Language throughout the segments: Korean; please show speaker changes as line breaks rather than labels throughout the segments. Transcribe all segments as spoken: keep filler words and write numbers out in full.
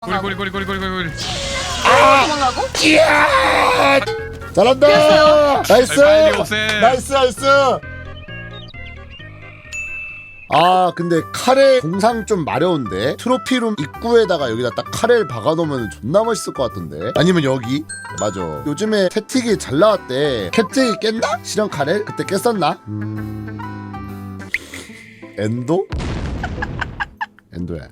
꼬리 꼬리 꼬리 꼬리 꼬리 꼬리.
아! 도망가고?
이야! 잘한다!
됐어요.
나이스!
빨리 오세요.
나이스 나이스! 아 근데 카레 공상 좀 마려운데 트로피룸 입구에다가 여기다 딱 카레를 박아놓으면 존나 멋있을 것 같던데. 아니면 여기 맞아 요즘에 태틱이 잘 나왔대. 캡제이 깼나? 실현 카레? 그때 깼었나? 음... 엔도? 엔도야.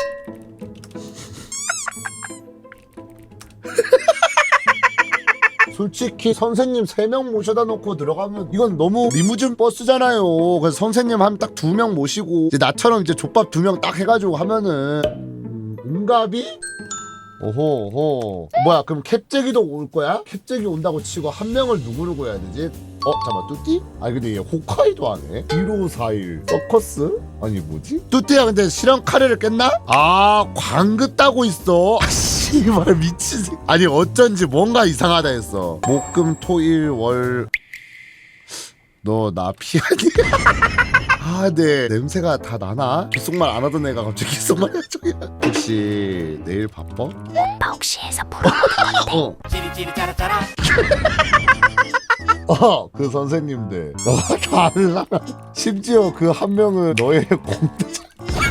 솔직히 선생님 세 명 모셔다 놓고 들어가면 이건 너무 리무진 버스잖아요. 그래서 선생님 한 딱 두 명 모시고 이제 나처럼 이제 족밥 두 명 딱 해가지고 하면은 음, 응갑이? 오호 오호 뭐야 그럼 캡제기도 올 거야? 캡제기 온다고 치고 한 명을 누구를 구해야 되지? 어 잠깐만 뚜띠? 아니 근데 얘 홋카이도 하네. 일오사일 서커스? 아니 뭐지? 뚜띠야 근데 실현 카레를 깼나? 아 광긋 따고 있어. 아 씨발 미친 새. 아니 어쩐지 뭔가 이상하다 했어. 목금토일월 너 나 피하니? 아, 네 냄새가 다 나나? 귓속말 안 하던 애가 갑자기 귓속말 해줘야. 혹시 내일 바빠?
오빠 혹시 해서 보러
어.
찌리찌리 짜라짜라.
어, 그 선생님들 너가 달라. 심지어 그 한 명은 너의 공대장.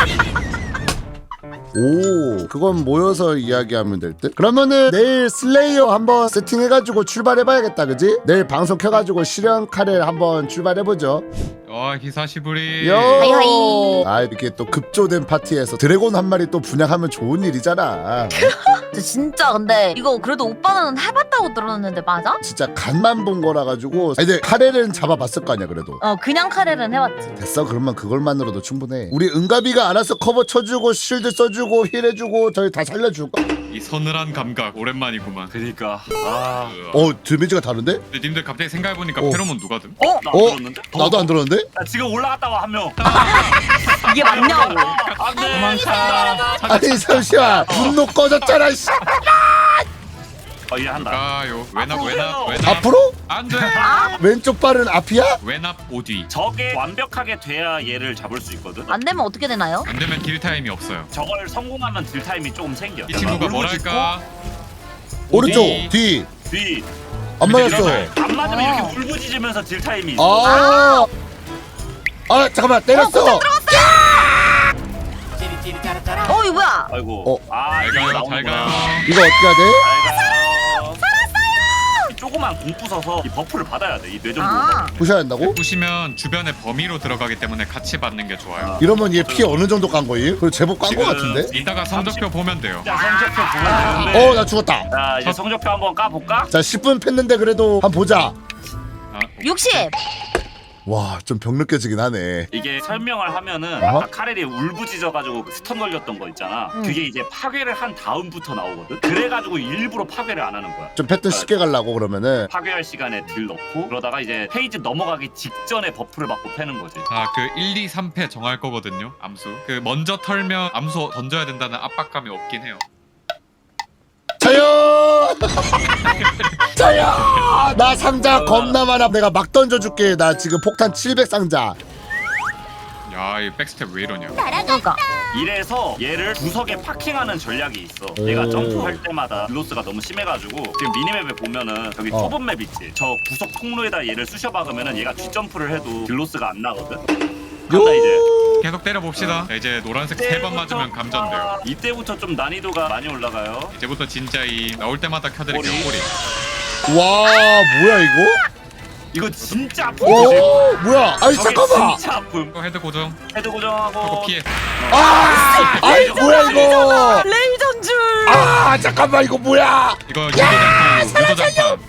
오, 그건 모여서 이야기하면 될 듯? 그러면은 내일 슬레이어 한번 세팅해가지고 출발해봐야겠다, 그지? 내일 방송 켜가지고 실현 카레 한번 출발해보죠.
어 히사시부리.
요!
하이하이.
아, 이렇게 또 급조된 파티에서 드래곤 한 마리 또 분양하면 좋은 일이잖아.
진짜 근데 이거 그래도 오빠는 해봤다고 들었는데 맞아?
진짜 간만 본 거라 가지고. 아니, 근데 카레는 잡아봤을 거 아니야, 그래도.
어 그냥 카레는 해봤지.
됐어, 그러면 그걸만으로도 충분해. 우리 은가비가 알아서 커버 쳐주고 실드 써주고 힐 해주고 저희 다 살려줄까?
이 서늘한 감각 오랜만이구만.
그니까 아
어, 데미지가 다른데?
근데 님들 갑자기 생각해보니까
어.
페로몬 누가 든?
어?
나 안
어?
들었는데?
나도 안 들었는데?
나 지금 올라갔다 와 한명
이게 맞냐고.
안돼
도망차.
아니 잠시만 분노 꺼졌잖아. 씨.
어 이제 한다
가요. 외납 외납 외납.
앞으로?
안돼.
왼쪽 발은 앞이야?
외납 오뒤.
저게 완벽하게 돼야 얘를 잡을 수 있거든
안 되면 어떻게 되나요?
안 되면 딜 타임이 없어요.
저걸 성공하면 딜타임이 조금 생겨
이 친구가 뭐랄까?
오른쪽
오디.
뒤.
뒤
안 맞았어.
안 맞으면
아.
이렇게 울부짖으면서 딜타임이 있어
아. 아 잠깐만 때렸어.
찌리찌리 짜라짜라
어 이거 뭐야?
아이고
어.
아
잘
이거
가요 잘
나오는구나
가요.
이거 어떻게 해야 돼?
잘 가요 살았어요 조그만 공 부숴서 이 버프를 받아야 돼이 뇌정보
아
부셔야 한다고?
보시면 주변에 범위로 들어가기 때문에 같이 받는 게 좋아요.
이러면 얘 피 어느 정도 깐 거임? 그리고 제법 깐 거
지금
같은데?
이따가 성적표 보면 돼요.
자 성적표 보면 되는데
어 나 죽었다.
자 이제 성적표 한번 까볼까?
자 십 분 팼는데 그래도 한번 보자.
아,
육십.
와 좀 병 느껴지긴 하네.
이게 설명을 하면은
어?
아까 카렐이 울부짖어가지고 그 스턴 걸렸던 거 있잖아
응.
그게 이제 파괴를 한 다음부터 나오거든 그래가지고 일부러 파괴를 안 하는 거야
좀 패턴 쉽게 가려고 그러면은.
파괴할 시간에 딜 넣고 그러다가 이제 페이지 넘어가기 직전에 버프를 받고 패는 거지
자, 그 일, 이, 삼 패 정할 거거든요. 암수. 그 먼저 털면 암수 던져야 된다는 압박감이 없긴 해요.
자요! 자요! 나 상자 겁나 많아. 내가 막 던져줄게. 나 지금 폭탄 칠백 상자.
야, 이 백스텝 왜 이러냐?
그러니까.
이래서 얘를 구석에 파킹하는 전략이 있어
오.
얘가 점프할 때마다 딜로스가 너무 심해가지고 지금 미니맵에 보면은 저기
어.
좁은 맵 있지 저 구석 통로에다 얘를 쑤셔 박으면은 얘가 뒷점프를 해도 딜로스가 안 나거든 간다 이제
계속 때려봅시다. 자, 이제 노란색 세 번 맞으면 감전돼요.
이때부터 좀 난이도가 많이 올라가요
이제부터 진짜 이 나올 때마다 켜드릴게요.
꼬리.
꼬리.
와 뭐야 이거?
이거 진짜 아프지
오 뭐야? 아니
저게
잠깐만.
진짜 아픔
이거 헤드 고정.
헤드
하고
고정하고
피해.
아 아니 뭐야 이거?
레이전 줄.
아 잠깐만 이거 뭐야?
이거 유도장판. 유도장판.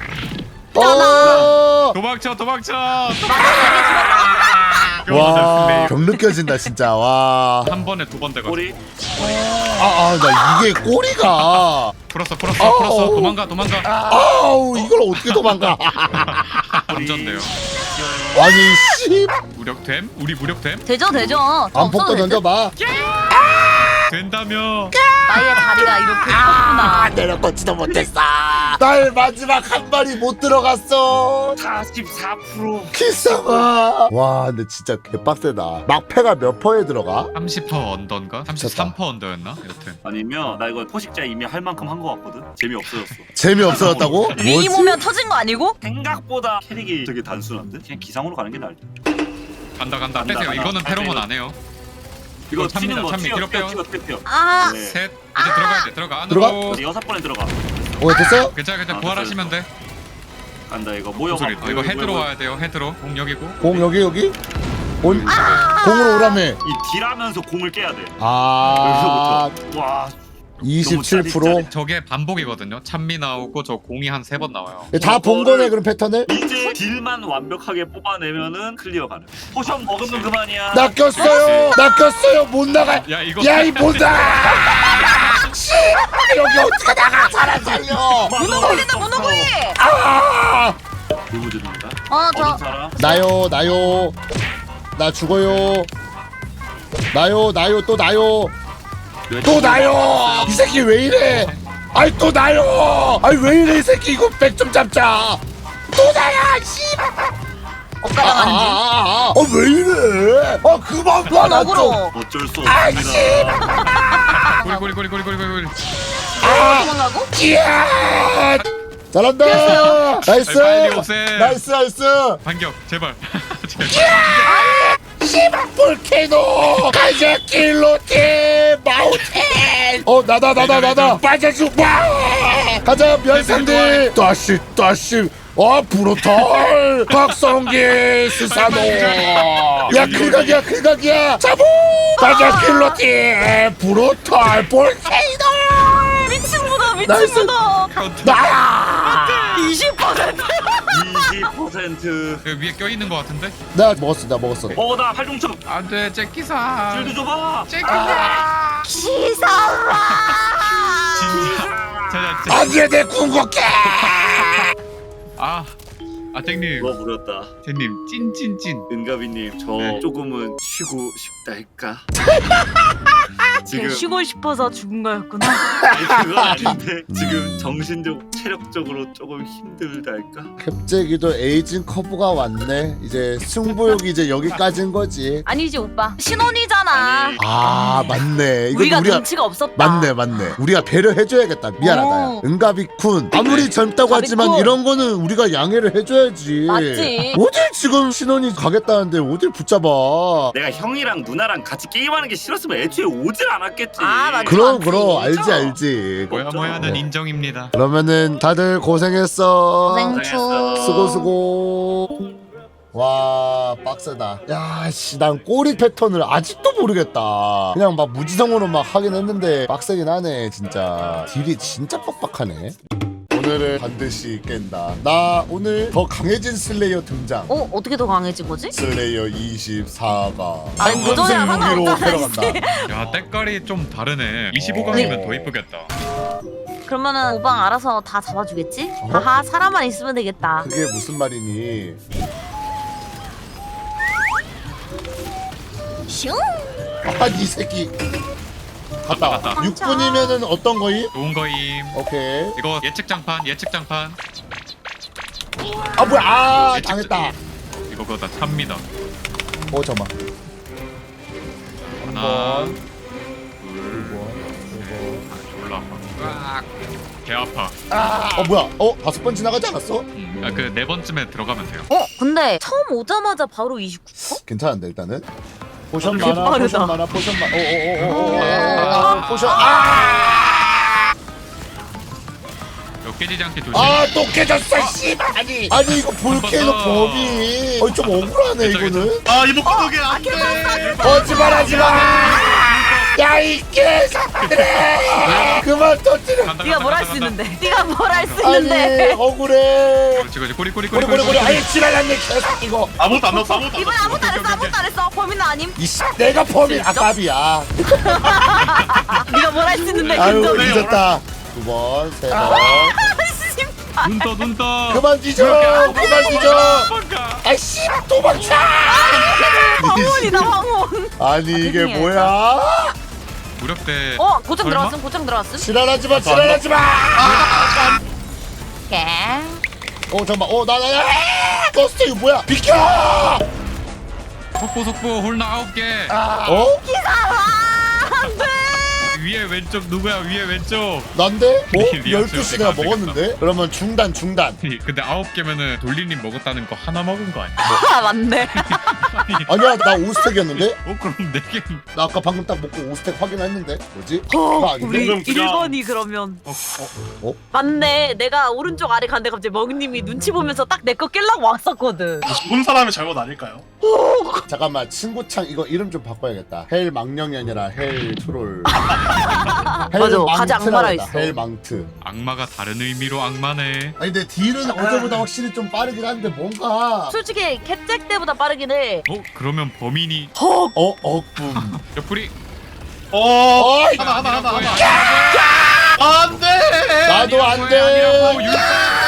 어.
도망쳐, 도망쳐.
와, 병 느껴진다 진짜. 와.
한 번에 두 번 돼가지고.
꼬리
아, 아, 나 이게 꼬리가.
풀었어, 풀었어,
아우.
풀었어. 도망가, 도망가.
아우, 이걸 어떻게 도망가?
감전돼요.
아니, 씨.
무력됨? 우리 무력됨?
되죠 되죠. 저
안폭도
없어도 될 듯?
던져봐.
된다며.
나의 다리가 이렇게 컸구나.
때려놓지도 못했어. 날 마지막 한 발이 못 들어갔어.
사십사 퍼센트.
기싸마. 와 근데 진짜 개빡세다. 막패가 몇 퍼에 들어가?
삼십 퍼센트 언더인가? 삼십삼 퍼센트 언더였나? 여튼
아니면 나 이거 포식자 이미 할 만큼 한 거 같거든. 재미 없어졌어.
재미없어졌다고?
링이 오면 터진 거 아니고?
생각보다 캐릭이 되게 단순한데? 그냥 기상으로 가는 게 나을 듯.
간다 간다
간다,
빼세요.
간다.
이거는
빼세요.
페로몬 안 해요.
이거
참미다,
튀는 거
참미.
튀어
뒤로
튀어
빼요.
튀어 튀어.
아
네.
셋 이제 들어가야 돼. 들어가 안으로.
들어가?
이제 여섯 번에 들어가.
어 됐어요?
괜찮아 괜찮아.
아,
부활하시면 돼.
간다 이거 모여.
소리. 어, 이거 헤드로 와야 돼요. 헤드로. 공 여기고.
공 여기 여기? 온 공으로 오라며.
이 딜하면서 공을 깨야 돼.
아
여기서부터. 와.
이십칠 퍼센트.
너무 짜릿짜릿.
저게 반복이거든요. 참미 나오고 저 공이 한 세 번 나와요.
다 본 거네 그럼 패턴을?
이제 딜만 완벽하게 뽑아내면은 클리어 가능. 포션 먹으면 그만이야.
나 꼈어요. 나 꼈어요. 못 나가.
야 이거
야 이 못 나가. 씨 여기 어떻게 나가? 사람 살려.
문어 걸린다 문어 걸리!
아
누구 드립니다.
어
어린
저
사람.
나요 나요. 나 죽어요. 나요 나요 또 나요. 또 나요. 이 새끼 왜 이래? 아이 또 나요. 아이 왜 이래 이 새끼 이거 백 좀 잡자. 또 나야 씨.
엇가랑 하는 중.
아왜 이래? 아 그만 봐
넌
나 좀.
어그로.
어쩔 수
아이씨.
없습니다.
고리 고리 고리 고리 고리 고리.
아 도망가고?
이야. 잘한다. 나이스.
빨리 오세요.
나이스 나이스.
반격 제발. 제발.
씨발 볼케이노 가자 길로티 마우텐. 어 나다 나다 나다 빠져주 와 가자 면상들 다시 다시 어 브로털 박성기 스사노 야 클각이야 클각이야 잡어 가자 길로티 브로털 볼케이노
미친 문어
나이스.
미친 문어.
카운트.
나야
이십 퍼센트.
이십 퍼센트.
그 위에 껴 있는 거 같은데?
나 먹었어 나 먹었어
어, 나 팔중첩.
안돼 잭기사.
줄도 줘봐.
잭기사.
기사와.
진짜. 자, 자, 자.
안돼 내 궁극해
아, 아 잭님,
누가 부렸다.
잭님 찐찐찐.
은가비님, 저
네.
조금은 쉬고 싶다 할까? 지금
쉬고 싶어서 죽은 거였구나.
아니, 그건 아닌데 지금 정신적, 체력적으로 조금 힘들다 할까?
갑자기도 에이징 커브가 왔네 이제 승부욕이 이제 여기까지인 거지
아니지 오빠. 신혼이잖아.
아니,
아 맞네 이거
우리가
우리가
눈치가 없었다.
맞네 맞네 우리가 배려해줘야겠다 미안하다 야.
오.
은가비쿤 아무리
네.
젊다고 하지만
가비쿤.
이런 거는 우리가 양해를 해줘야지
맞지.
어딜 지금 신혼이 가겠다는데 어딜 붙잡아
내가 형이랑 누나랑 같이 게임하는 게 싫었으면 애초에 오질 않았겠지.
아, 맞지.
그럼
맞지.
그럼 알지
진짜.
알지
뭐야
없죠.
뭐야는
네.
인정입니다.
그러면은 다들 고생했어
고생초.
수고 수고 와 빡세다 야씨 난 꼬리 패턴을 아직도 모르겠다 그냥 막 무지성으로 막 하긴 했는데 빡세긴 하네 진짜 딜이 진짜 빡빡하네 오늘은 반드시 깬다 나 오늘 더 강해진 슬레이어 등장
어 어떻게 더 강해진 거지?
슬레이어 이십사가
아니, 무도랑
무기로
상관없잖아,
데려간다
야 때깔이 좀 다르네. 이십오 강이면 더 이쁘겠다.
그러면은 오방 알아서 다 잡아주겠지?
어?
하하 사람만 있으면 되겠다.
그게 무슨 말이니
슝.
아이 새끼 갔다
갔다, 갔다.
육 분이면은 어떤 거임?
좋은 거임.
오케이
이거 예측 장판 예측 장판.
아 뭐야 아
예측
당했다
이거 그거 다 찹니다.
어 잠깐만
하나,
번,
둘,
두 번,
아, 졸라 아파. 으악. 개 아파.
어 뭐야 어 다섯 번 지나가지 않았어?
아 그 네 번쯤에 들어가면 돼요.
어 근데 처음 오자마자 바로 이십구 퍼?
괜찮은데 일단은 포션
개
많아
빠르다.
포션 많아 포션 많아 오오오오오
아.
포션 아!
이거 깨지지 않게 조심.
아또 깨졌어 씨발 아니 아니 이거 볼케이노
아.
범위 어좀 억울하네
괜찮아,
이거는
아 이거 구독이 안 돼.
거짓말하지마 야이 개새끼들아 그만 터뜨려
간다,
네가
간다,
뭘 할
간다,
수
간다.
있는데? 네가 뭘 할 수
아니
있는데?
억울해
그렇지 그렇지 꼬리 꼬리 꼬리
고래 고래 고래 아이 지랄났네 개새끼 이거
아무것도 안 넣었어. 아무것도 안
이번에
넣었어.
아무것도 안 했어 아무것도 안 했어 범인은 아님.
이씨 내가 범인 아깝이야
네가 뭘 할 수 있는데
아유
근데
잊었다 두 번 세 번
눈떠 눈떠.
그만 뒤져 그만 뒤져
도망가.
아이씨 도망쳐
황혼이다 황혼.
아니 이게
죄송해요.
뭐야
무력대.
어 고정
설마?
들어왔음 고정 들어왔음.
지랄하지마 지랄하지마.
오케이.
어 잠깐만 어나나나 버스 이거 뭐야 비켜.
속보 속보 홀나 아홉 개.
어?
위에 왼쪽 누구야? 위에 왼쪽.
난데? 어?
리-
열두 시 내가
리아치가
먹었는데? 그러면 중단 중단.
근데 아홉 개면은 돌리님 먹었다는 거 하나 먹은 거 아니야?
아 맞네.
아니야 나 오 스택이었는데?
어 그럼 네 개.
나 아까 방금 딱 먹고 오 스택 확인했는데 뭐지?
어,
그거 아닌데?
우리
그럼 그냥-
일 번이 그러면
어, 어.
어?
맞네. 내가 오른쪽 아래 갔는데 갑자기 먹님이 눈치 보면서 딱 내 거 깰라고 왔었거든.
죽은 사람의 잘못 아닐까요?
잠깐만 친구창 이거 이름 좀 바꿔야겠다. 헬 망령이 아니라 헬 트롤.
맞아, 가지 악마라 있어.
헬 망트.
악마가 다른 의미로 악마네.
아니 근데 딜은 어제보다 확실히 좀 빠르긴 한데 뭔가
솔직히 캡잭 때보다 빠르긴 해.
어 그러면 범인이
헉.
어 억붐.
옆구리.
어
어이
하나 하나 하나
아니라고,
하나 안돼
나도 안
아니라고,
돼.
아니라고, 율-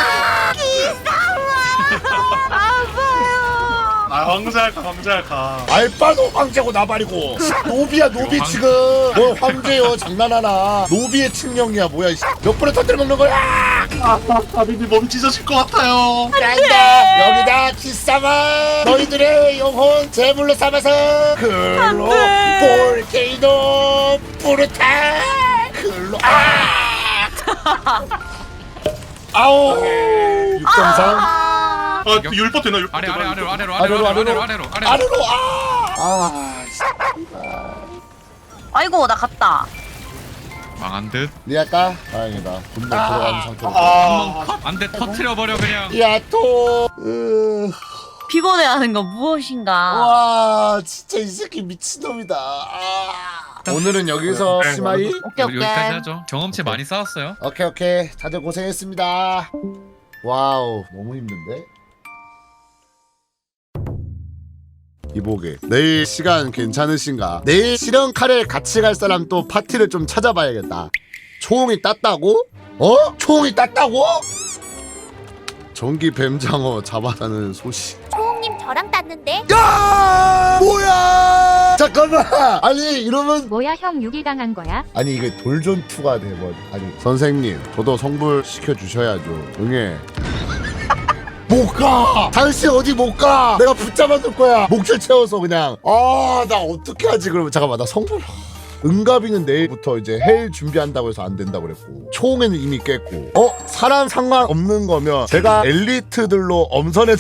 아파요.
아 황제할까 황제할까
알바노 황제고 나발이고 노비야 노비
황-
지금 뭐 황제요 장난하나 노비의 측령이야 뭐야 이씨. 몇 번을 터뜨려 먹는 거야.
아비비 몸 찢어질 것 같아요
간다 여기다 기싸마 너희들의 영혼 제물로 삼아서 글로 볼케이노 뿌르타 글로 아 아오 육 점 삼
아.
아 율법 되나 율법
아래
되나
아래 아래로 아래로
아래로,
아래로
아래로.
아래로 아래로 아래로.
아래로 아아
아이고 나 갔다.
망한 듯.
니할까? 다행이다 분노 들어가는 상태로
아
안돼 터트려 버려 그냥.
야또 으...
피곤해하는 건 무엇인가?
와 진짜 이 새끼 미친놈이다 아... 오늘은 여기서
네,
시마이
오케이 오케이.
여기까지 하죠. 경험치 많이 쌓았어요.
오케이 오케이 다들 고생했습니다 와우 너무 힘든데 이보게 내일 시간 괜찮으신가 내일 실현 카레 같이 갈 사람 또 파티를 좀 찾아봐야겠다 초홍이 땄다고? 어? 초홍이 땄다고? 전기 뱀장어 잡아다는 소식
초홍님 저랑 땄는데
야 뭐야 잠깐만 아니 이러면
뭐야 형 육 일 당한 거야?
아니 이게 돌전투가 돼버려 아니 선생님 저도 성불 시켜주셔야죠 응애 못가 당신 어디 못가 내가 붙잡아둘 거야 목줄 채워서 그냥 아 나 어떻게 하지 그러면 잠깐만 나 성불 은가비는 내일부터 이제 헬 준비한다고 해서 안 된다고 그랬고 초홍에는 이미 깼고 어? 사람 상관없는 거면 제가 엘리트들로 엄선해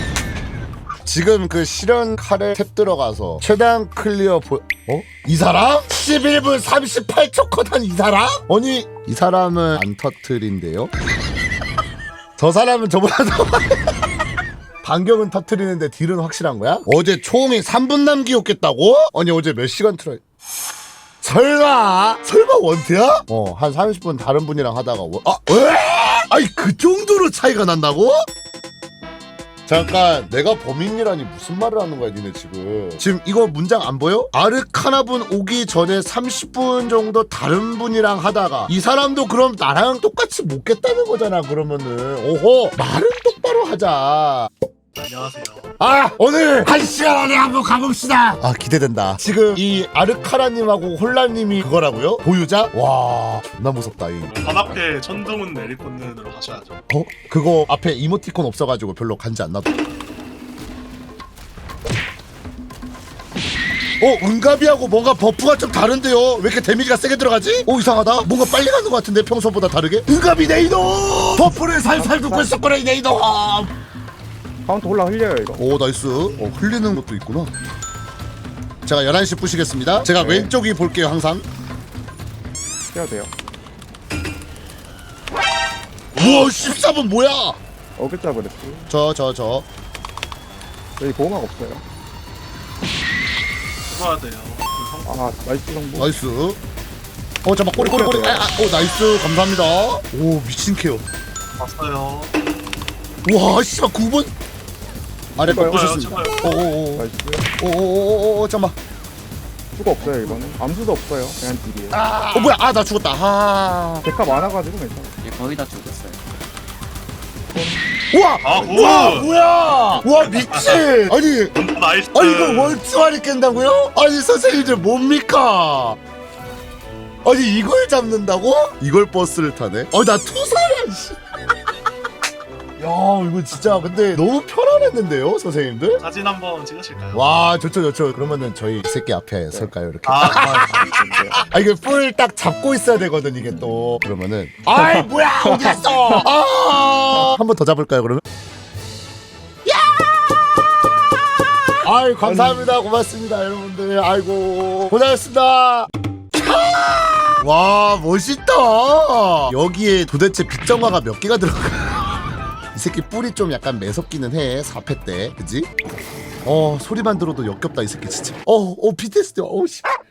지금 그 실현 카레 탭 들어가서 최대한 클리어 보... 어? 이 사람? 십일 분 삼십팔 초 컷한 이 사람? 아니 이 사람은 안 터트린데요? 저 사람은 저보다 더 반격은 터트리는데 딜은 확실한 거야? 어제 총이 삼 분 남기였겠다고? 아니 어제 몇 시간 틀어 설마 설마 원트야? 어 한 삼십 분 다른 분이랑 하다가 원... 아 왜? 아니 그 정도로 차이가 난다고? 잠깐 내가 범인이라니 무슨 말을 하는 거야 니네 지금 지금 이거 문장 안 보여? 아르카나분 오기 전에 삼십 분 정도 다른 분이랑 하다가 이 사람도 그럼 나랑 똑같이 못 겠다는 거잖아 그러면은 오호 말은 똑바로 하자
안녕하세요
아 오늘 한 시간 안에 한번 가봅시다 아 기대된다 지금 이 아르카라님하고 홀라님이 그거라고요? 보유자? 와 존나 무섭다 이
반 앞에 천둥은 내리꽂는으로 가셔야죠
어? 그거 앞에 이모티콘 없어가지고 별로 간지 안 나도 어? 은가비하고 뭔가 버프가 좀 다른데요? 왜 이렇게 데미지가 세게 들어가지? 어 이상하다 뭔가 빨리 가는 것 같은데 평소보다 다르게? 은가비 네이노! 버프를 살살 듣고 있었구나 이 네이노
카운터 올라 흘려요 이거.
오 나이스 어 흘리는 것도 있구나 제가 열한 시 부시겠습니다 제가
네.
왼쪽이 볼게요 항상
해야 돼요.
우와 십사 분 뭐야
어글자 그랬지.
저 저 저
여기 보호막 없어요.
해봐야 돼요
아 나이스 정보.
나이스 어 잠깐 꼬리 꼬리 꼬리 아, 아, 오 나이스 감사합니다 오 미친 케어
봤어요
와 씨발 구 번 아래 거
제발요,
보셨습니다
제발요.
오오오
나이스.
오오오오 잠깐만
수가 없어요 이거는. 암수도 없어요. 그냥 딜이에요.
어 뭐야 아 나 죽었다 아
데카 많아가지고 괜찮아.
거의 다 죽었어요.
우와
아,
우와
굿!
뭐야 와 미친 아니
나이스
아니 이거 월주알이 깬다고요? 아니 선생님들 뭡니까 아니 이걸 잡는다고? 이걸 버스를 타네? 어나 투사야 씨. 야 이거 진짜 근데 너무 편안했는데요 선생님들?
사진 한번 찍으실까요?
와 좋죠 좋죠. 그러면은 저희 이 새끼 앞에 설까요 이렇게?
아, 좋아요.
아 이게 뿔 딱 잡고 있어야 되거든 이게 또. 그러면은 아이 뭐야 어디 갔어? 아 한 번 더 잡을까요 그러면? 아이 감사합니다 고맙습니다 여러분들. 아이고 고생하셨습니다. 와 멋있다. 여기에 도대체 빗정화가 몇 개가 들어가? 이 새끼 뿔이 좀 약간 매섭기는 해. 사 패 때 그지? 어 소리만 들어도 역겹다 이 새끼 진짜. 어어 피티에스디 어우 씨.